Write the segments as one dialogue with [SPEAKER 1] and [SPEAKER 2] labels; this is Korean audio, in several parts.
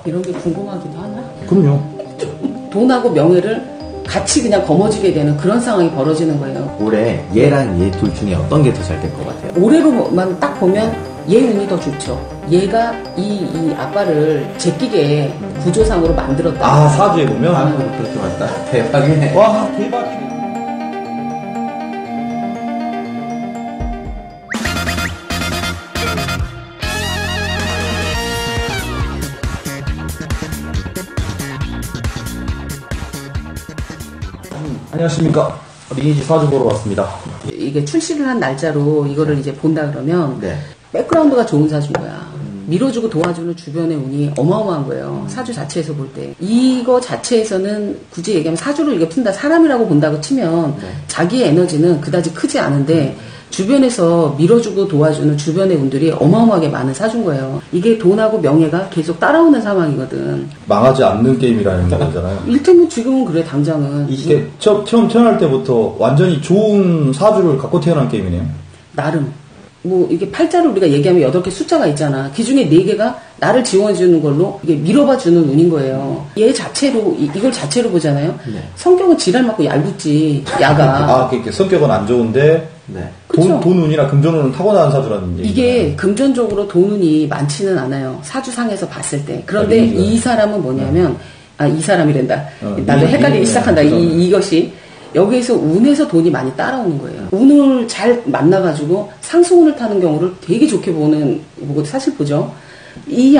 [SPEAKER 1] 이런 게 궁금하기도 하나?
[SPEAKER 2] 그럼요.
[SPEAKER 1] 돈하고 명예를 같이 그냥 거머쥐게 되는 그런 상황이 벌어지는 거예요.
[SPEAKER 3] 올해 얘랑 얘 둘 중에 어떤 게 더 잘 될 것 같아요?
[SPEAKER 1] 올해로만 딱 보면 얘 운이 더 좋죠. 얘가 이 아빠를 제끼게 구조상으로 만들었다.
[SPEAKER 2] 아, 사주에 보면?
[SPEAKER 3] 아, 그렇게 맞다. 대박이네.
[SPEAKER 2] 와, 대박이네. 안녕하십니까. 리니지 사주 보러 왔습니다.
[SPEAKER 1] 이게 출시를 한 날짜로 이거를 이제 본다 그러면
[SPEAKER 3] 네.
[SPEAKER 1] 백그라운드가 좋은 사주인 거야. 밀어주고 도와주는 주변의 운이 어마어마한 거예요. 사주 자체에서 볼 때. 이거 자체에서는 굳이 얘기하면 사주를 이게 푼다, 사람이라고 본다고 치면 자기의 에너지는 그다지 크지 않은데 주변에서 밀어주고 도와주는 주변의 운들이 어마어마하게 많은 사주인 거예요. 이게 돈하고 명예가 계속 따라오는 상황이거든.
[SPEAKER 2] 망하지 않는 게임이라는 거잖아요.
[SPEAKER 1] 일테면 지금은 그래, 당장은.
[SPEAKER 2] 이게 처음 태어날 때부터 완전히 좋은 사주를 갖고 태어난 게임이네요.
[SPEAKER 1] 나름. 뭐, 이게 팔자를 우리가 얘기하면 8개 숫자가 있잖아. 그 중에 4개가 나를 지원해주는 걸로 이게 밀어봐주는 운인 거예요. 얘 자체로, 이걸 자체로 보잖아요.
[SPEAKER 3] 네.
[SPEAKER 1] 성격은 지랄 맞고 얄궂지, 야가.
[SPEAKER 2] 아, 그러니까 성격은 안 좋은데,
[SPEAKER 3] 네.
[SPEAKER 1] 그쵸?
[SPEAKER 2] 돈 운이나 금전운은 타고난 사주라는 얘기.
[SPEAKER 1] 이게 금전적으로 돈 운이 많지는 않아요. 사주상에서 봤을 때. 그런데
[SPEAKER 2] 아,
[SPEAKER 1] 이 사람은 뭐냐면, 이 사람이란다. 나도
[SPEAKER 2] 이-
[SPEAKER 1] 헷갈리기
[SPEAKER 2] 이-
[SPEAKER 1] 시작한다. 이것이. 여기에서 운에서 돈이 많이 따라오는 거예요. 운을 잘 만나가지고 상승운을 타는 경우를 되게 좋게 보고 사실 보죠. 이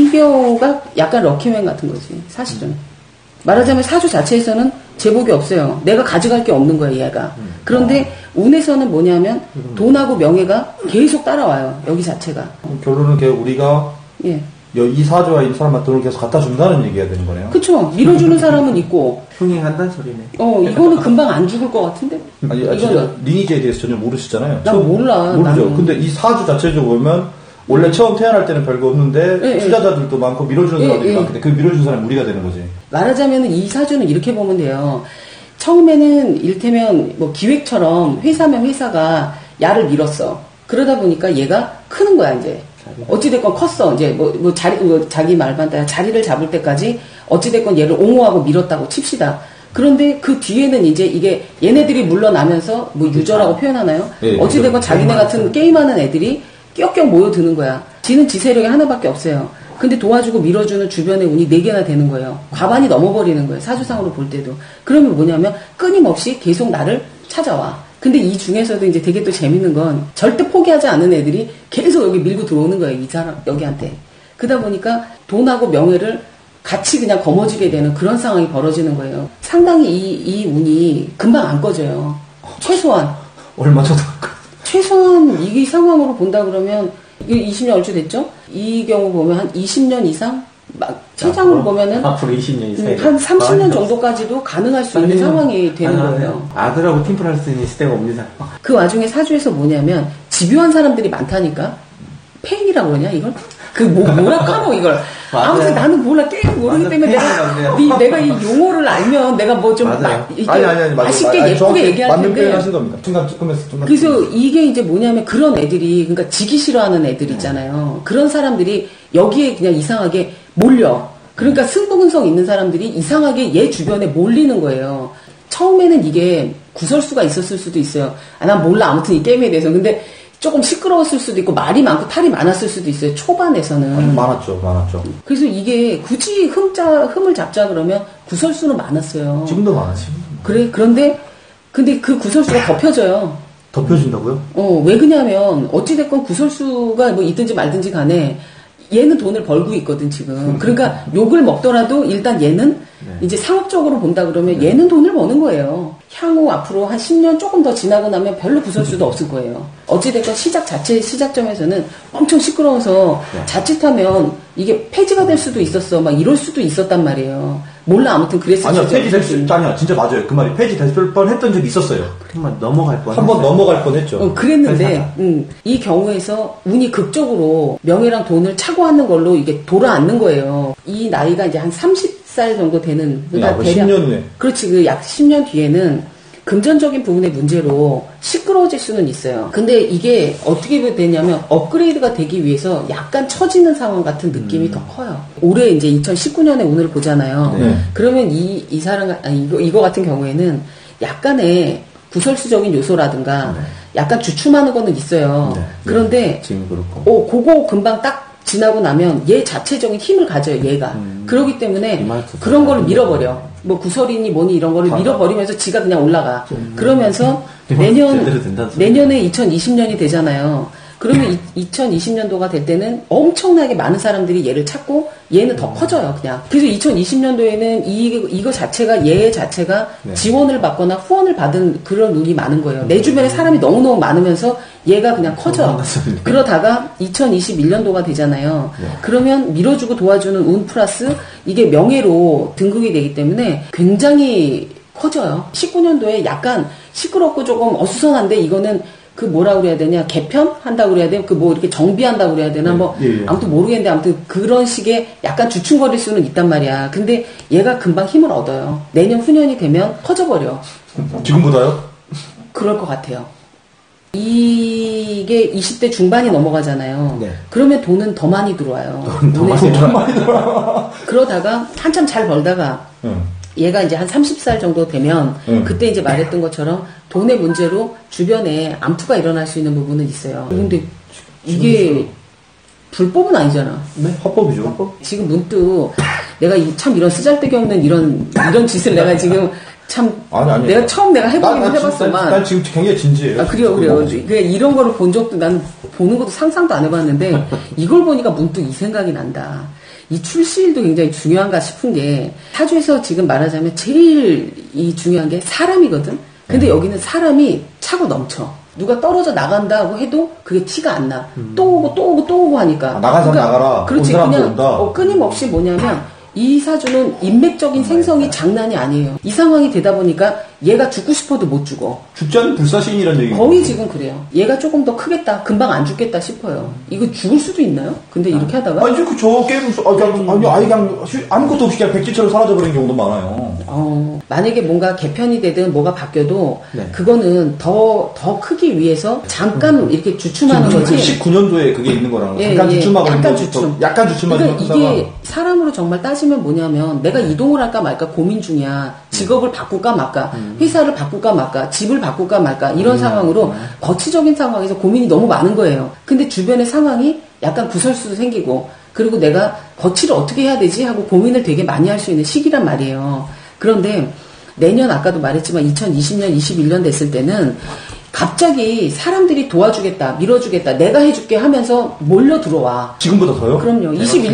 [SPEAKER 1] 경우가 약간 럭키맨 같은 거지, 사실은. 말하자면 사주 자체에서는 제복이 없어요. 내가 가져갈 게 없는 거야, 얘가. 그런데 운에서는 뭐냐면 돈하고 명예가 계속 따라와요, 여기 자체가.
[SPEAKER 2] 결론은 우리가
[SPEAKER 1] 예.
[SPEAKER 2] 이 사주와 이 사람한테 돈을 계속 갖다 준다는 얘기가 되는 거네요.
[SPEAKER 1] 그쵸. 밀어주는 사람은 있고,
[SPEAKER 3] 흥행한다는 소리네.
[SPEAKER 1] 이거는 금방 안 죽을 것 같은데?
[SPEAKER 2] 아니, 진짜 리니지에 대해서 전혀 모르시잖아요.
[SPEAKER 1] 난 몰라.
[SPEAKER 2] 모르죠.
[SPEAKER 1] 나는.
[SPEAKER 2] 근데 이 사주 자체적으로 보면 원래 처음 태어날 때는 별거 없는데
[SPEAKER 1] 예,
[SPEAKER 2] 투자자들도 많고 밀어주는 사람들이 많은데 그 밀어주는 사람이 우리가 되는 거지.
[SPEAKER 1] 말하자면 이 사주는 이렇게 보면 돼요. 처음에는 이를테면 뭐 기획처럼 회사면 회사가 야를 밀었어. 그러다 보니까 얘가 크는 거야, 이제. 어찌됐건 컸어. 이제 자기 말만 따라 자리를 잡을 때까지 어찌됐건 얘를 옹호하고 밀었다고 칩시다. 그런데 그 뒤에는 이제 이게 얘네들이 물러나면서 뭐 유저라고 표현하나요?
[SPEAKER 2] 예,
[SPEAKER 1] 어찌됐건 자기네 같은 게임하는 애들이 껴껴 모여드는 거야. 지는 지 세력이 하나밖에 없어요. 근데 도와주고 밀어주는 주변의 운이 4개나 되는 거예요. 과반이 넘어버리는 거예요. 사주상으로 볼 때도. 그러면 뭐냐면 끊임없이 계속 나를 찾아와. 근데 이 중에서도 이제 되게 또 재밌는 건 절대 포기하지 않는 애들이 계속 여기 밀고 들어오는 거예요. 이 사람, 여기한테. 그러다 보니까 돈하고 명예를 같이 그냥 거머쥐게 되는 그런 상황이 벌어지는 거예요. 상당히 이 운이 금방 안 꺼져요. 최소한.
[SPEAKER 2] 얼마 전에
[SPEAKER 1] 최소한 이 상황으로 본다 그러면 20년 얼추 됐죠? 이 경우 보면 한 20년 이상? 최장으로 보면은
[SPEAKER 3] 앞으로 20년 이상.
[SPEAKER 1] 한 30년 정도까지도 가능할 수 있는 상황이 되는 거예요.
[SPEAKER 3] 아들하고 팀플 할 수 있는 시대가 옵니다.
[SPEAKER 1] 그 와중에 사주에서 뭐냐면 집요한 사람들이 많다니까. 페인이라고 그러냐 이걸? 뭐라 카노 이걸. 아무튼 나는 몰라 게임 모르기 때문에 내가 이 용어를 알면 내가 뭐 좀 맛있게 예쁘게 얘기할
[SPEAKER 2] 맞는
[SPEAKER 1] 텐데.
[SPEAKER 2] 표현 하신 겁니다. 중간에서
[SPEAKER 1] 그래서 이게 이제 뭐냐면 그런 애들이 그러니까 지기 싫어하는 애들 있잖아요. 그런 사람들이 여기에 그냥 이상하게 몰려. 그러니까 승부근성 있는 사람들이 이상하게 얘 주변에 몰리는 거예요. 처음에는 이게 구설수가 있었을 수도 있어요. 난 몰라 아무튼 이 게임에 대해서. 근데 조금 시끄러웠을 수도 있고 말이 많고 탈이 많았을 수도 있어요. 초반에서는.
[SPEAKER 2] 많았죠.
[SPEAKER 1] 그래서 이게 굳이 흠을 잡자 그러면 구설수는 많았어요.
[SPEAKER 2] 지금도 많았지.
[SPEAKER 1] 그래. 근데 그 구설수가 덮여져요.
[SPEAKER 2] 덮여진다고요?
[SPEAKER 1] 왜 그냐면 어찌됐건 구설수가 뭐 있든지 말든지 간에 얘는 돈을 벌고 있거든 지금. 그러니까 욕을 먹더라도 일단 얘는 이제 상업적으로 본다 그러면 얘는 돈을 버는 거예요. 향후 앞으로 한 10년 조금 더 지나고 나면 별로 구설수도 없을 거예요. 어찌됐건 시작점에서는 엄청 시끄러워서 자칫하면 이게 폐지가 될 수도 있었어. 막 이럴 수도 있었단 말이에요. 몰라 아무튼 그랬을
[SPEAKER 2] 아니요, 아니야, 진짜 맞아요. 그 말이 폐지될 뻔 했던 적이 있었어요.
[SPEAKER 3] 정말 넘어갈 뻔.
[SPEAKER 2] 한 번 넘어갈 뻔 했죠.
[SPEAKER 1] 그랬는데, 이 경우에서 운이 극적으로 명예랑 돈을 차고 앉는 걸로 이게 돌아앉는 거예요. 이 나이가 이제 한 30살 정도 되는,
[SPEAKER 2] 그러니까 대략 10년 후에.
[SPEAKER 1] 그렇지, 그 약 10년 뒤에는 금전적인 부분의 문제로 시끄러워질 수는 있어요. 근데 이게 어떻게 되냐면 업그레이드가 되기 위해서 약간 처지는 상황 같은 느낌이 더 커요. 올해 이제 2019년에 운을 보잖아요.
[SPEAKER 2] 네.
[SPEAKER 1] 그러면 이 사람, 이거 같은 경우에는 약간의 구설수적인 요소라든가 약간 주춤하는 거는 있어요.
[SPEAKER 3] 네.
[SPEAKER 1] 그런데
[SPEAKER 3] 지금 그렇고.
[SPEAKER 1] 그거 금방 딱 지나고 나면 얘 자체적인 힘을 가져요, 얘가. 그렇기 때문에 그런 거를 밀어버려. 뭐 구설이니 뭐니 이런 거를 밀어버리면서 지가 그냥 올라가. 그러면서 내년에 2020년이 되잖아요. 그러면 2020년도가 될 때는 엄청나게 많은 사람들이 얘를 찾고 얘는 더 커져요, 그냥. 그래서 2020년도에는 이거 자체가, 얘 자체가 지원을 받거나 후원을 받은 그런 운이 많은 거예요. 내 주변에 사람이 너무너무 많으면서 얘가 그냥 커져. 그러다가 2021년도가 되잖아요. 그러면 밀어주고 도와주는 운 플러스 이게 명예로 등극이 되기 때문에 굉장히 커져요. 19년도에 약간 시끄럽고 조금 어수선한데 이거는 그 뭐라고 그래야 되냐, 개편 한다고 그래야 되나, 그 뭐 이렇게 정비한다고 그래야 되나, 아무튼 모르겠는데, 아무튼 그런 식의 약간 주춤거릴 수는 있단 말이야. 근데 얘가 금방 힘을 얻어요. 내년 후년이 되면 커져버려.
[SPEAKER 2] 지금보다요?
[SPEAKER 1] 그럴 것 같아요. 이게 20대 중반이 넘어가잖아요.
[SPEAKER 3] 네.
[SPEAKER 1] 그러면 돈은 더 많이 들어와요.
[SPEAKER 3] 더 많이 들어와요.
[SPEAKER 1] 그러다가 한참 잘 벌다가 얘가 이제 한 30살 정도 되면 그때 이제 말했던 것처럼 돈의 문제로 주변에 암투가 일어날 수 있는 부분은 있어요. 근데 이게 불법은 아니잖아.
[SPEAKER 2] 네, 합법이죠.
[SPEAKER 1] 지금 문득 내가 참 이런 쓰잘데기 없는 이런 짓을 내가 지금 참
[SPEAKER 2] 아니.
[SPEAKER 1] 내가 처음 내가 해보기는 해봤어만.
[SPEAKER 2] 난 지금 굉장히 진지해요.
[SPEAKER 1] 그래요. 그냥 이런 거를 본 적도 난 보는 것도 상상도 안 해봤는데 이걸 보니까 문득 이 생각이 난다. 이 출시일도 굉장히 중요한가 싶은 게 사주에서 지금 말하자면 제일 이 중요한 게 사람이거든. 근데 여기는 사람이 차고 넘쳐. 누가 떨어져 나간다고 해도 그게 티가 안 나. 또 오고 또 오고 또 오고 하니까.
[SPEAKER 2] 나간 사람 나가라.
[SPEAKER 1] 그렇지.
[SPEAKER 2] 온 사람도
[SPEAKER 1] 그냥
[SPEAKER 2] 온다.
[SPEAKER 1] 끊임없이 뭐냐면 이 사주는 인맥적인 생성이 장난이 아니에요. 이 상황이 되다 보니까 얘가 죽고 싶어도 못 죽어.
[SPEAKER 2] 죽지 않는 불사신이라는 얘기가
[SPEAKER 1] 거의 지금 그래요. 얘가 조금 더 크겠다. 금방 안 죽겠다 싶어요. 이거 죽을 수도 있나요? 근데 이렇게 하다가?
[SPEAKER 2] 아니, 저 게임, 그냥 아무것도 없이 그냥 백지처럼 사라져버린 경우도 많아요.
[SPEAKER 1] 만약에 뭔가 개편이 되든 뭐가 바뀌어도 그거는 더 크기 위해서 잠깐 이렇게 주춤하는 거지.
[SPEAKER 2] 19년도에 그게 있는 거라는 거. 잠깐 주춤하고 약간 주춤하고
[SPEAKER 1] 그러니까 이게 사람으로 정말 따지면 뭐냐면 내가 이동을 할까 말까 고민 중이야. 직업을 바꿀까 말까, 회사를 바꿀까 말까, 집을 바꿀까 말까 이런 상황으로 거치적인 상황에서 고민이 너무 많은 거예요. 근데 주변의 상황이 약간 구설수도 생기고 그리고 내가 거치를 어떻게 해야 되지 하고 고민을 되게 많이 할 수 있는 시기란 말이에요. 그런데 내년 아까도 말했지만 2020년, 21년 됐을 때는 갑자기 사람들이 도와주겠다, 밀어주겠다, 내가 해줄게 하면서 몰려 들어와.
[SPEAKER 2] 지금보다 더요?
[SPEAKER 1] 그럼요.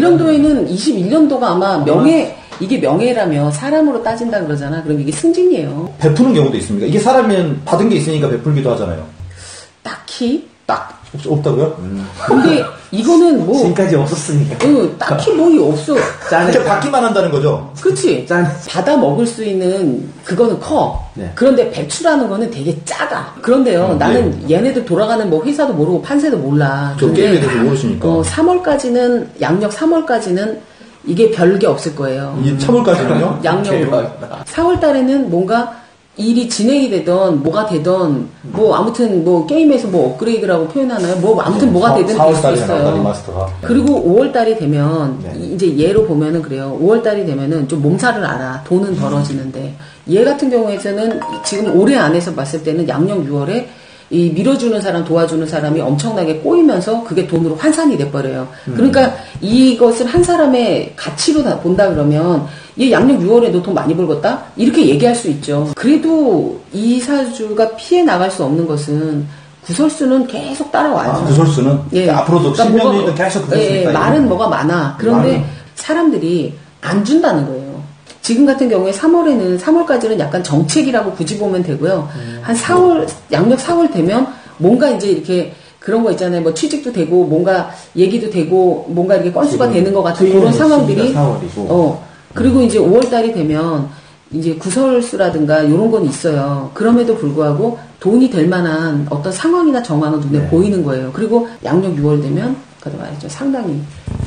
[SPEAKER 1] 21년도가 아마 이게 명예라며 사람으로 따진다 그러잖아. 그럼 이게 승진이에요.
[SPEAKER 2] 베푸는 경우도 있습니까? 이게 사람이면 받은 게 있으니까 베풀기도 하잖아요.
[SPEAKER 1] 딱히?
[SPEAKER 2] 없다고요?
[SPEAKER 1] 근데 이거는 뭐.
[SPEAKER 3] 지금까지 없었으니까.
[SPEAKER 1] 딱히 뭐 없어.
[SPEAKER 2] 그냥 받기만 한다는 거죠?
[SPEAKER 1] 그치? 받아 먹을 수 있는 그거는 커.
[SPEAKER 3] 네.
[SPEAKER 1] 그런데 배출하는 거는 되게 작아. 그런데요, 나는 얘네들 돌아가는 뭐 회사도 모르고 판세도 몰라.
[SPEAKER 2] 저 게임에 대해서 모르시니까.
[SPEAKER 1] 3월까지는, 양력 3월까지는 이게 별게 없을 거예요.
[SPEAKER 2] 이 3월까지는요?
[SPEAKER 1] 양력으로. 4월 달에는 뭔가 일이 진행이 되던 뭐가 되던 뭐 아무튼 뭐 게임에서 뭐 업그레이드라고 표현하나요? 뭐 아무튼 뭐가 되든 될 수 있어요.
[SPEAKER 2] 리마스터가.
[SPEAKER 1] 그리고 5월 달이 되면 이제 얘로 보면은 그래요. 5월 달이 되면은 좀 몸살을 알아. 돈은 벌어지는데 얘 같은 경우에는 지금 올해 안에서 봤을 때는 양력 6월에 이 밀어주는 사람, 도와주는 사람이 엄청나게 꼬이면서 그게 돈으로 환산이 돼버려요. 그러니까 이것을 한 사람의 가치로 본다 그러면 얘 양력 6월에 너 돈 많이 벌겠다? 이렇게 얘기할 수 있죠. 그래도 이 사주가 피해 나갈 수 없는 것은 구설수는 계속 따라와요.
[SPEAKER 2] 구설수는?
[SPEAKER 1] 예.
[SPEAKER 2] 앞으로도 10년 뒤에도 계속 구설수니까.
[SPEAKER 1] 말은 뭐가 많아. 그런데 사람들이 안 준다는 거예요. 지금 같은 경우에 3월까지는 약간 정책이라고 굳이 보면 되고요. 한 4월, 양력 4월 되면 뭔가 이제 이렇게 그런 거 있잖아요. 뭐 취직도 되고, 뭔가 얘기도 되고, 뭔가 이렇게 건수가 되는 것 같은 그런 상황들이.
[SPEAKER 3] 4월이고.
[SPEAKER 1] 그리고 이제 5월 달이 되면 이제 구설수라든가 이런 건 있어요. 그럼에도 불구하고 돈이 될 만한 어떤 상황이나 정황은 눈에 보이는 거예요. 그리고 양력 6월 되면, 아까도 말했죠. 상당히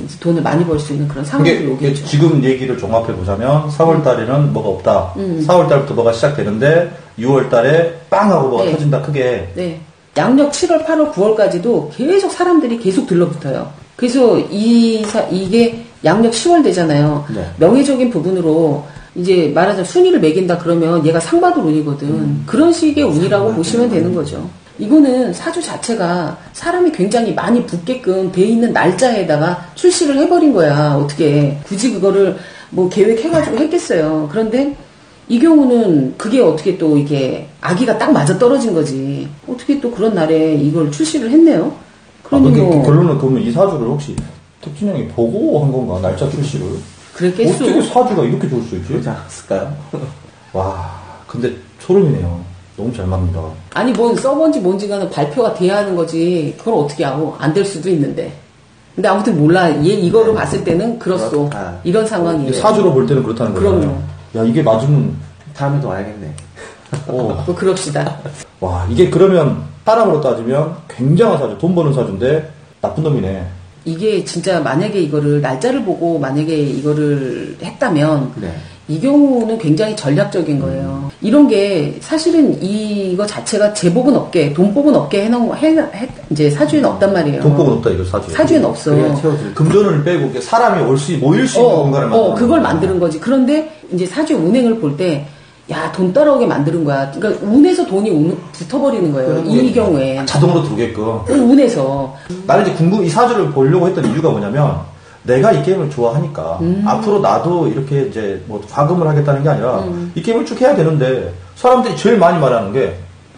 [SPEAKER 1] 이제 돈을 많이 벌 수 있는 그런 상황이
[SPEAKER 2] 이게
[SPEAKER 1] 오겠죠.
[SPEAKER 2] 지금 얘기를 종합해 보자면 4월 달에는 뭐가 없다. 4월 달부터 뭐가 시작되는데 6월 달에 빵 하고 뭐가
[SPEAKER 1] 네.
[SPEAKER 2] 터진다 크게.
[SPEAKER 1] 네. 양력 7월, 8월, 9월까지도 계속 사람들이 계속 들러붙어요. 그래서 이게 양력 10월 되잖아요.
[SPEAKER 3] 네.
[SPEAKER 1] 명예적인 부분으로 이제 말하자면 순위를 매긴다 그러면 얘가 상 받을 운이거든. 그런 식의 운이라고 보시면 되는 거죠. 이거는 사주 자체가 사람이 굉장히 많이 붙게끔 돼 있는 날짜에다가 출시를 해버린 거야. 어떻게 굳이 그거를 뭐 계획해가지고 했겠어요. 그런데 이 경우는 그게 어떻게 또 이게 아기가 딱 맞아 떨어진 거지. 어떻게 또 그런 날에 이걸 출시를 했네요. 그러니 뭐
[SPEAKER 2] 결론은 그러면 이 사주를 혹시 택진 형이 보고 한 건가? 날짜 출시를.
[SPEAKER 1] 그랬겠소.
[SPEAKER 2] 어떻게 사주가 이렇게 좋을 수 있지?
[SPEAKER 3] 그러지 않았을까요?
[SPEAKER 2] 와, 근데 소름이네요. 너무 잘 맞는다.
[SPEAKER 1] 아니 뭔 써본지 뭔지가는 발표가 돼야 하는 거지. 그걸 어떻게 하고 안 될 수도 있는데. 근데 아무튼 몰라. 얘 이거로 봤을 때는 그렇소.
[SPEAKER 3] 그렇다.
[SPEAKER 1] 이런 상황이에요.
[SPEAKER 2] 사주로 볼 때는 그렇다는 거잖아요.
[SPEAKER 1] 그럼요.
[SPEAKER 2] 야, 이게 맞으면
[SPEAKER 3] 다음에도 와야겠네.
[SPEAKER 2] 어.
[SPEAKER 1] 뭐 그럽시다.
[SPEAKER 2] 와, 이게 그러면 사람으로 따지면 굉장한 사주, 돈 버는 사주인데 나쁜 놈이네.
[SPEAKER 1] 이게 진짜 만약에 이거를 날짜를 보고 만약에 이거를 했다면
[SPEAKER 3] 네.
[SPEAKER 1] 이 경우는 굉장히 전략적인 거예요. 이런 게 사실은 이거 자체가 제복은 없게 돈복은 없게 해놓은 이제 사주에는 없단 말이에요.
[SPEAKER 2] 돈복은 없다 이거 사주에.
[SPEAKER 1] 사주에는 없어.
[SPEAKER 3] 그래야 채워줄
[SPEAKER 2] 금전을 빼고 이렇게 사람이 모일 수 있는 공간을 만드는
[SPEAKER 1] 그걸
[SPEAKER 2] 거야.
[SPEAKER 1] 만드는 거지. 그런데 이제 사주의 운행을 볼 때, 야, 돈 따라오게 만드는 거야. 그러니까 운에서 돈이 붙어버리는 거예요. 이 경우에.
[SPEAKER 2] 자동으로 들어오게끔.
[SPEAKER 1] 운에서.
[SPEAKER 2] 나는 이제 이 사주를 보려고 했던 이유가 뭐냐면, 내가 이 게임을 좋아하니까, 앞으로 나도 이렇게 이제 뭐 과금을 하겠다는 게 아니라, 이 게임을 쭉 해야 되는데, 사람들이 제일 많이 말하는 게,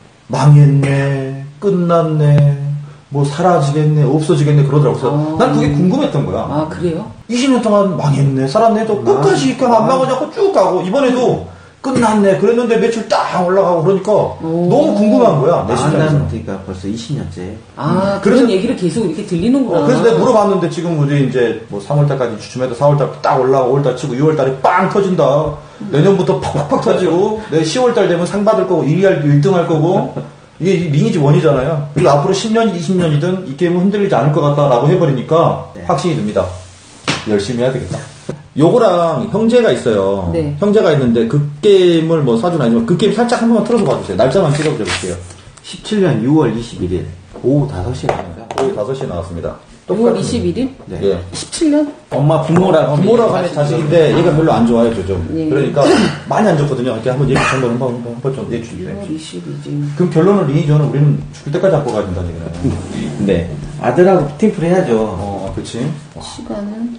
[SPEAKER 2] 망했네, 끝났네, 뭐 사라지겠네, 없어지겠네, 그러더라고. 그래서 난 그게 궁금했던 거야.
[SPEAKER 1] 아, 그래요?
[SPEAKER 2] 20년 동안 망했네, 살았네도 끝까지 그냥 안 망하자고 쭉 가고, 이번에도 끝났네, 그랬는데 매출 딱 올라가고 그러니까, 너무 궁금한 거야, 내 심장에서.
[SPEAKER 3] 만났으니까 벌써 20년째.
[SPEAKER 1] 아,
[SPEAKER 2] 그래서-
[SPEAKER 1] 그런 얘기를 계속 이렇게 들리는구나.
[SPEAKER 2] 그래서 내가 물어봤는데 지금 우리 이제 뭐 3월달까지 주춤해도 4월달 딱 올라가고 5월달 치고 6월달에 빵 터진다. 내년부터 팍팍팍 터지고 내 10월달 되면 상 받을 거고 1등 할 거고 이게 리니지 1이잖아요. 그리고 앞으로 10년, 20년이든 이 게임은 흔들리지 않을 것 같다라고 해버리니까
[SPEAKER 3] 네.
[SPEAKER 2] 확신이 듭니다. 열심히 해야 되겠다. 요거랑 형제가 있어요.
[SPEAKER 1] 네.
[SPEAKER 2] 형제가 있는데 그 게임을 뭐 사주는 아니지만 그 게임 살짝 한 번만 틀어서 봐주세요. 날짜만 찍어볼게요.
[SPEAKER 3] 17년 6월 21일 오후 5시에 나옵니다.
[SPEAKER 2] 오후 5시에 나왔습니다.
[SPEAKER 1] 6월 21일?
[SPEAKER 3] 네.
[SPEAKER 2] 예.
[SPEAKER 1] 17년?
[SPEAKER 3] 엄마 부모라고
[SPEAKER 2] 부모라고 하는 자식인데 얘가 별로 안 좋아해요, 좀.
[SPEAKER 1] 예.
[SPEAKER 2] 그러니까 많이 안 좋거든요. 이렇게 한번 얘기 한번 좀 내주세요.
[SPEAKER 1] 6월 22일.
[SPEAKER 2] 그럼 결론은 리니지는 우리는 죽을 때까지 안고 가야 된다는 얘기네요.
[SPEAKER 3] 네. 아들하고 팀플 해야죠.
[SPEAKER 2] 그치?
[SPEAKER 1] 시간은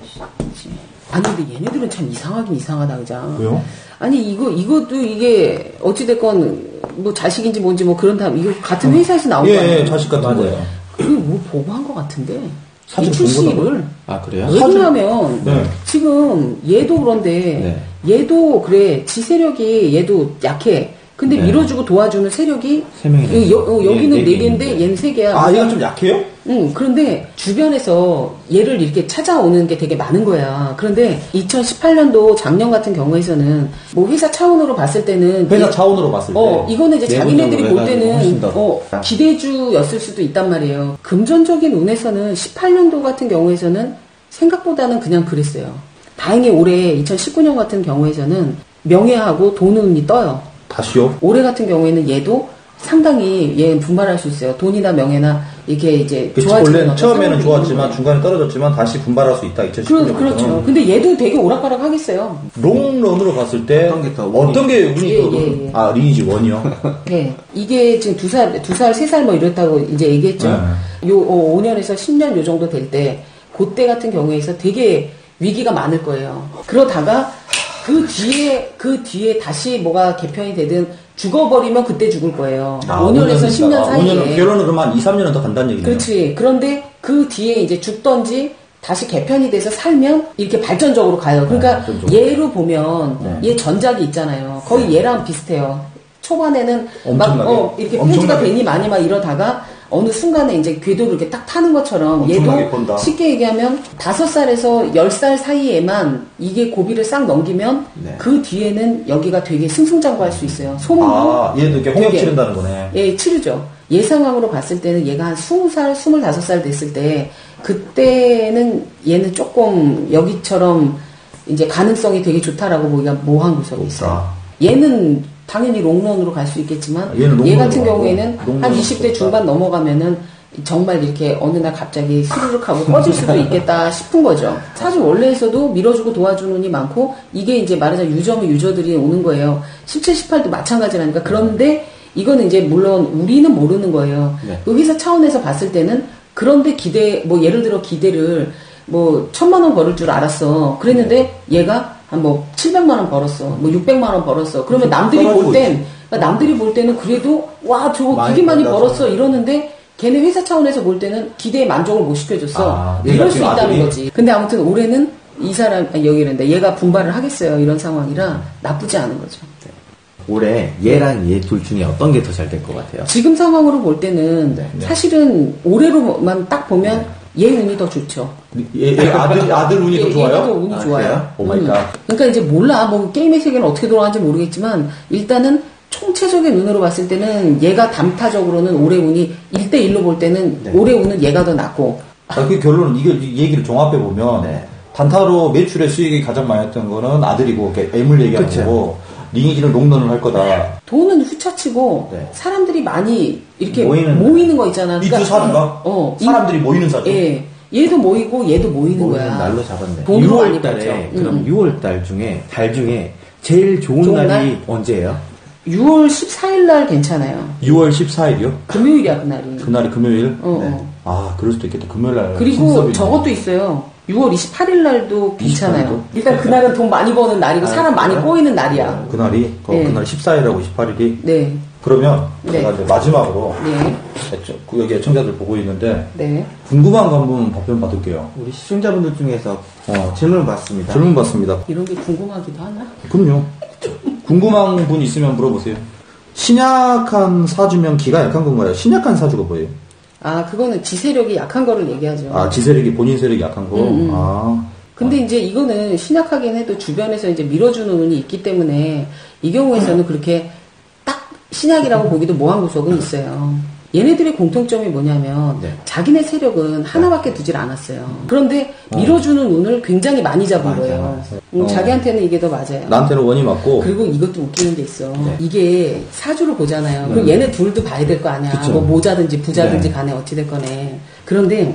[SPEAKER 1] 아니 근데 얘네들은 참 이상하긴 이상하다 그죠?
[SPEAKER 2] 왜요?
[SPEAKER 1] 아니 이것도 이게 어찌됐건 뭐 자식인지 뭔지 뭐 그런 다음 이거 같은 회사에서 나온 거 아니에요?
[SPEAKER 2] 예, 자식 같은
[SPEAKER 3] 맞아요.
[SPEAKER 2] 거예요.
[SPEAKER 1] 그걸 뭐 보고 한 것 같은데 이
[SPEAKER 2] 사진 본
[SPEAKER 1] 출시를
[SPEAKER 3] 아, 그래요?
[SPEAKER 1] 왜 그러냐면
[SPEAKER 2] 네.
[SPEAKER 1] 지금 얘도 그런데 얘도 그래 지 세력이 얘도 약해. 근데
[SPEAKER 3] 네.
[SPEAKER 1] 밀어주고 도와주는 세력이
[SPEAKER 3] 세 명이네.
[SPEAKER 1] 여기는
[SPEAKER 3] 네
[SPEAKER 1] 네 개인데 얘는 세 개야.
[SPEAKER 2] 아, 얘가 좀 약해요?
[SPEAKER 1] 응, 그런데 주변에서 얘를 이렇게 찾아오는 게 되게 많은 거야. 그런데 2018년도 작년 같은 경우에서는 뭐 회사 차원으로 봤을 때는
[SPEAKER 2] 회사 차원으로 봤을 때.
[SPEAKER 1] 이거는 이제 자기네들이 볼
[SPEAKER 3] 내부적으로
[SPEAKER 1] 때는
[SPEAKER 3] 해가지고 훨씬 더.
[SPEAKER 1] 기대주였을 수도 있단 말이에요. 금전적인 운에서는 18년도 같은 경우에서는 생각보다는 그냥 그랬어요. 다행히 올해 2019년 같은 경우에서는 명예하고 돈 운이 떠요.
[SPEAKER 2] 다시요?
[SPEAKER 1] 올해 같은 경우에는 얘도 상당히 얘는 분발할 수 있어요. 돈이나 명예나 이게 이제
[SPEAKER 2] 그치,
[SPEAKER 1] 좋아지는
[SPEAKER 2] 원래
[SPEAKER 1] 어떤
[SPEAKER 2] 처음에는
[SPEAKER 1] 상황이
[SPEAKER 2] 좋았지만
[SPEAKER 1] 있는 거예요.
[SPEAKER 2] 중간에 떨어졌지만 다시 분발할 수 있다. 2019년부터는.
[SPEAKER 1] 그렇죠. 근데 얘도 되게 오락가락 하겠어요.
[SPEAKER 2] 롱런으로 봤을 때
[SPEAKER 3] 어떤 게 더 운이-
[SPEAKER 2] 어떤 게 운이
[SPEAKER 1] 예,
[SPEAKER 2] 더
[SPEAKER 1] 예.
[SPEAKER 2] 아, 리니지 1이요?
[SPEAKER 1] 네. 이게 지금 2살, 3살 뭐 이렇다고 이제 얘기했죠.
[SPEAKER 2] 네.
[SPEAKER 1] 요 5년에서 10년 요 정도 될 때, 그때 같은 경우에서 되게 위기가 많을 거예요. 그러다가 그 뒤에 다시 뭐가 개편이 되든 죽어버리면 그때 죽을 거예요. 5년에서 10년 사이에.
[SPEAKER 2] 5년, 결혼은 그러면 한 2, 3년은 더 간다는 얘기네요.
[SPEAKER 1] 그렇지. 그런데 그 뒤에 이제 죽던지 다시 개편이 돼서 살면 이렇게 발전적으로 가요. 그러니까
[SPEAKER 2] 발전적으로.
[SPEAKER 1] 얘로 보면 얘 전작이 있잖아요. 거의 얘랑 비슷해요. 초반에는 막
[SPEAKER 2] 엄청나게.
[SPEAKER 1] 이렇게
[SPEAKER 2] 엄청나게.
[SPEAKER 1] 폐지가 되니 많이 막 이러다가 어느 순간에 이제 궤도를 이렇게 딱 타는 것처럼
[SPEAKER 2] 엄청나게
[SPEAKER 1] 얘도
[SPEAKER 2] 번다.
[SPEAKER 1] 쉽게 얘기하면 5살에서 10살 사이에만 이게 고비를 싹 넘기면
[SPEAKER 3] 네.
[SPEAKER 1] 그 뒤에는 여기가 되게 승승장구할 수 있어요. 소문도
[SPEAKER 2] 아, 얘도 이렇게 홍역
[SPEAKER 1] 되게.
[SPEAKER 2] 치른다는 거네.
[SPEAKER 1] 예, 치르죠. 예상함으로 봤을 때는 얘가 한 20살, 25살 됐을 때 그때는 얘는 조금 여기처럼 이제 가능성이 되게 좋다라고 보기가 모호한 구석이 있어요. 얘는 당연히 롱런으로 갈 수 있겠지만 얘 같은 경우에는 한 20대 중반 넘어가면은 정말 이렇게 어느 날 갑자기 스르륵 하고 꺼질 수도 있겠다 싶은 거죠. 사주 원래에서도 밀어주고 도와주는 운이 많고 이게 이제 말하자면 유저면 유저들이 오는 거예요. 17, 18도 마찬가지라니까. 그런데 이거는 이제 물론 우리는 모르는 거예요.
[SPEAKER 3] 네.
[SPEAKER 1] 그 회사 차원에서 봤을 때는 그런데 뭐 예를 들어 기대를 뭐 1,000만 원 벌을 줄 알았어. 그랬는데 얘가 한 뭐 700만 원 벌었어. 뭐 600만 원 벌었어. 그러면 남들이 볼 때는 그래도 와 저거 되게 많이 벌었어 이러는데 걔네 회사 차원에서 볼 때는 기대에 만족을 못 시켜줬어. 이럴 수 있다는 거지. 근데 아무튼 올해는 이 사람 여기는데 얘가 분발을 하겠어요. 이런 상황이라 나쁘지 않은 거죠.
[SPEAKER 3] 네. 올해 얘랑 얘 둘 중에 어떤 게 더 잘 될 것 같아요?
[SPEAKER 1] 지금 상황으로 볼 때는 사실은 올해로만 딱 보면 얘 운이 더 좋죠.
[SPEAKER 2] 아들 운이 더 좋아요?
[SPEAKER 1] 얘가 더 운이 좋아요.
[SPEAKER 2] 오 마이 갓.
[SPEAKER 1] 그러니까 이제 몰라. 뭐 게임의 세계는 어떻게 돌아가는지 모르겠지만 일단은 총체적인 눈으로 봤을 때는 얘가 단타적으로는 올해 운이 1대1로 볼 때는 올해 운은 얘가 더 낫고.
[SPEAKER 2] 그 결론은 이 얘기를 종합해 보면 단타로 매출의 수익이 가장 많이 했던 거는 아들이고 애물 얘기하는 거고 링이지는 롱런을 할 거다.
[SPEAKER 1] 돈은 후차치고 사람들이 많이 이렇게 모이는 거 있잖아.
[SPEAKER 2] 이 두 사주가 사람들이 모이는 사주.
[SPEAKER 1] 예. 얘도 모이고 얘도 모이는 거야.
[SPEAKER 3] 날로 잡았네.
[SPEAKER 1] 돈으로
[SPEAKER 3] 6월
[SPEAKER 1] 많이
[SPEAKER 3] 달에
[SPEAKER 1] 벌죠.
[SPEAKER 3] 그럼 6월 달 중에 제일 좋은 날이
[SPEAKER 1] 날?
[SPEAKER 3] 언제예요?
[SPEAKER 1] 6월 14일 날 괜찮아요.
[SPEAKER 2] 6월 14일이요?
[SPEAKER 1] 금요일이야 그날이.
[SPEAKER 2] 그날이 금요일?
[SPEAKER 1] 어.
[SPEAKER 2] 아 그럴 수도 있겠다. 금요일 날.
[SPEAKER 1] 그리고 저것도 있어요. 6월 28일 날도 괜찮아요.
[SPEAKER 2] 28일도?
[SPEAKER 1] 일단 그날은 돈 많이 버는 날이고 사람 많이 꼬이는 날이야.
[SPEAKER 2] 그날이? 그날 14일하고 28일이?
[SPEAKER 1] 네.
[SPEAKER 2] 그러면 제가 이제 마지막으로
[SPEAKER 1] 네.
[SPEAKER 2] 여기 애청자들 보고 있는데
[SPEAKER 1] 네.
[SPEAKER 2] 궁금한 거 한번 답변 받을게요.
[SPEAKER 3] 우리 시청자분들 중에서 질문 받습니다.
[SPEAKER 2] 질문 받습니다.
[SPEAKER 1] 이런 게 궁금하기도 하나?
[SPEAKER 2] 그럼요. 궁금한 분 있으면 물어보세요. 신약한 사주면 기가 약한 건가요? 신약한 사주가 뭐예요?
[SPEAKER 1] 아, 그거는 지세력이 약한 거를 얘기하죠.
[SPEAKER 2] 아, 지세력이 본인 세력이 약한 거? 아.
[SPEAKER 1] 근데 이제 이거는 신약하긴 해도 주변에서 이제 밀어주는 운이 있기 때문에 이 경우에서는 그렇게 딱 신약이라고 보기도 모호한 구석은 있어요. 얘네들의 공통점이 뭐냐면 자기네 세력은 하나밖에 두질 않았어요. 그런데 밀어주는 운을 굉장히 많이 잡은 거예요. 자기한테는 이게 더 맞아요.
[SPEAKER 2] 나한테는 원이 맞고.
[SPEAKER 1] 그리고 이것도 웃기는 게 있어. 이게 사주를 보잖아요. 그럼 얘네 둘도 봐야 될 거 아니야.
[SPEAKER 2] 그쵸.
[SPEAKER 1] 뭐 모자든지 부자든지 간에 어찌 됐거네. 그런데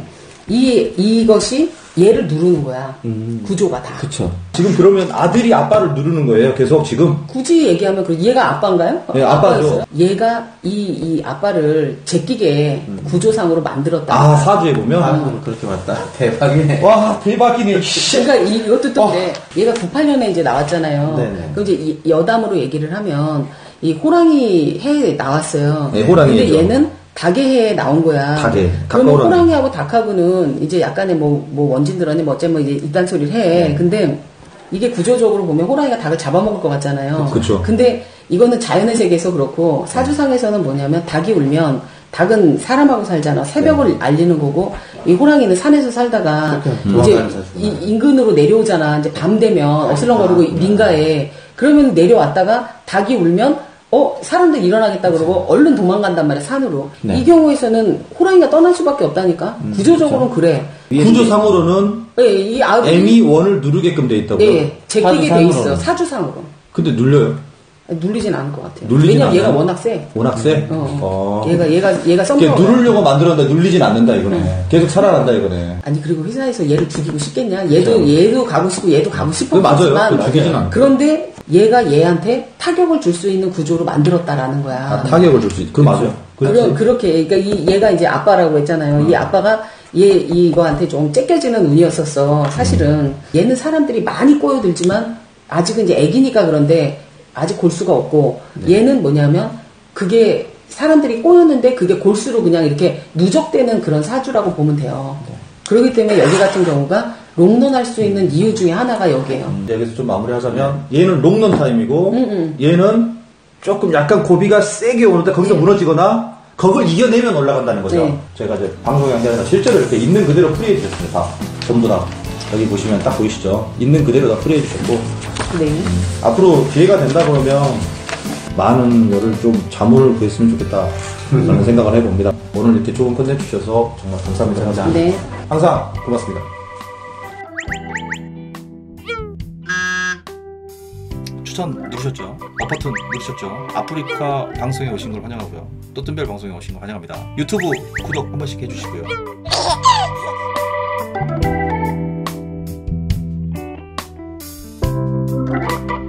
[SPEAKER 1] 이것이 얘를 누르는 거야. 구조가 다.
[SPEAKER 3] 그쵸.
[SPEAKER 2] 지금 그러면 아들이 아빠를 누르는 거예요? 계속 지금?
[SPEAKER 1] 굳이 얘기하면 얘가 아빠인가요?
[SPEAKER 2] 네, 아빠죠.
[SPEAKER 1] 얘가 이 아빠를 제끼게 구조상으로 만들었다.
[SPEAKER 2] 아, 사주에 보면?
[SPEAKER 3] 그렇게 맞다. 대박이네.
[SPEAKER 2] 와, 대박이네.
[SPEAKER 1] 그러니까 이것도 또 그래. 얘가 98년에 이제 나왔잖아요.
[SPEAKER 3] 네네.
[SPEAKER 1] 그럼 이제 여담으로 얘기를 하면 이 호랑이 해에 나왔어요.
[SPEAKER 2] 네, 호랑이
[SPEAKER 1] 근데
[SPEAKER 2] 해죠.
[SPEAKER 1] 얘는 닭의 해에 나온 거야.
[SPEAKER 2] 닭의.
[SPEAKER 1] 그러면
[SPEAKER 2] 닭과 호랑이.
[SPEAKER 1] 호랑이하고 닭하고는 이제 약간의 뭐 원진 들었니 뭐 어째 뭐 이제 이딴 소리를 해. 근데 이게 구조적으로 보면 호랑이가 닭을 잡아먹을 것 같잖아요.
[SPEAKER 2] 그쵸.
[SPEAKER 1] 근데 이거는 자연의 세계에서 그렇고 사주상에서는 뭐냐면 닭이 울면 닭은 사람하고 살잖아. 새벽을 알리는 거고 이 호랑이는 산에서 살다가 이제 인근으로 내려오잖아. 이제 밤 되면 어슬렁거리고 민가에 그러면 내려왔다가 닭이 울면 사람들 일어나겠다 그러고 얼른 도망간단 말이야 산으로. 이 경우에서는 호랑이가 떠날 수밖에 없다니까. 구조적으로는 그래.
[SPEAKER 2] 구조상으로는
[SPEAKER 1] 이
[SPEAKER 2] M이 원을 누르게끔 돼 있다고요?
[SPEAKER 1] 네, 제끼게 돼 있어 사주상으로.
[SPEAKER 2] 근데 눌려요?
[SPEAKER 1] 눌리진 않을 것 같아요.
[SPEAKER 2] 눌리진
[SPEAKER 1] 왜냐면 얘가
[SPEAKER 2] 않아요?
[SPEAKER 1] 워낙 세.
[SPEAKER 2] 워낙 세?
[SPEAKER 1] 얘가 썸녀.
[SPEAKER 2] 누르려고 만들었는데 눌리진 않는다 이거네. 계속 살아난다 이거네.
[SPEAKER 1] 아니 그리고 회사에서 얘를 죽이고 싶겠냐? 얘도 가고 싶고 얘도 가고
[SPEAKER 2] 그거 맞아요.
[SPEAKER 1] 싶었지만
[SPEAKER 2] 그거 죽이진 않고.
[SPEAKER 1] 그런데 얘가 얘한테 타격을 줄 수 있는 구조로 만들었다라는 거야.
[SPEAKER 2] 아, 타격을 줄 수 있. 그거 맞아요.
[SPEAKER 1] 그렇게 그러니까 얘가 이제 아빠라고 했잖아요. 이 아빠가 이거한테 좀 째껴지는 운이었었어. 사실은 얘는 사람들이 많이 꼬여들지만 아직은 이제 애기니까 그런데 아직 골수가 없고 얘는 뭐냐면 그게 사람들이 꼬였는데 그게 골수로 그냥 이렇게 누적되는 그런 사주라고 보면 돼요. 그렇기 때문에 여기 같은 경우가 롱런할 수 있는 이유 중에 하나가 여기에요.
[SPEAKER 2] 여기서 좀 마무리하자면 얘는 롱런 타임이고 얘는 조금 약간 고비가 세게 오는데 거기서 무너지거나 그걸 이겨내면 올라간다는 거죠.
[SPEAKER 1] 네.
[SPEAKER 2] 제가 이제 방송이 아니라 실제로 이렇게 있는 그대로 풀이해 주셨습니다. 다. 전부 다. 여기 보시면 딱 보이시죠? 있는 그대로 다 풀이해 주셨고
[SPEAKER 1] 네.
[SPEAKER 2] 앞으로 기회가 된다 그러면 많은 거를 좀 자문을 구했으면 좋겠다 라는 생각을 해봅니다. 오늘 이렇게 좋은 컨텐츠 주셔서 정말 감사합니다.
[SPEAKER 1] 네.
[SPEAKER 2] 항상 고맙습니다. 추천 누르셨죠? 버튼 누르셨죠? 아프리카 방송에 오신 걸 환영하고요. 또 뜬별 방송에 오신 걸 환영합니다. 유튜브 구독 한 번씩 해주시고요.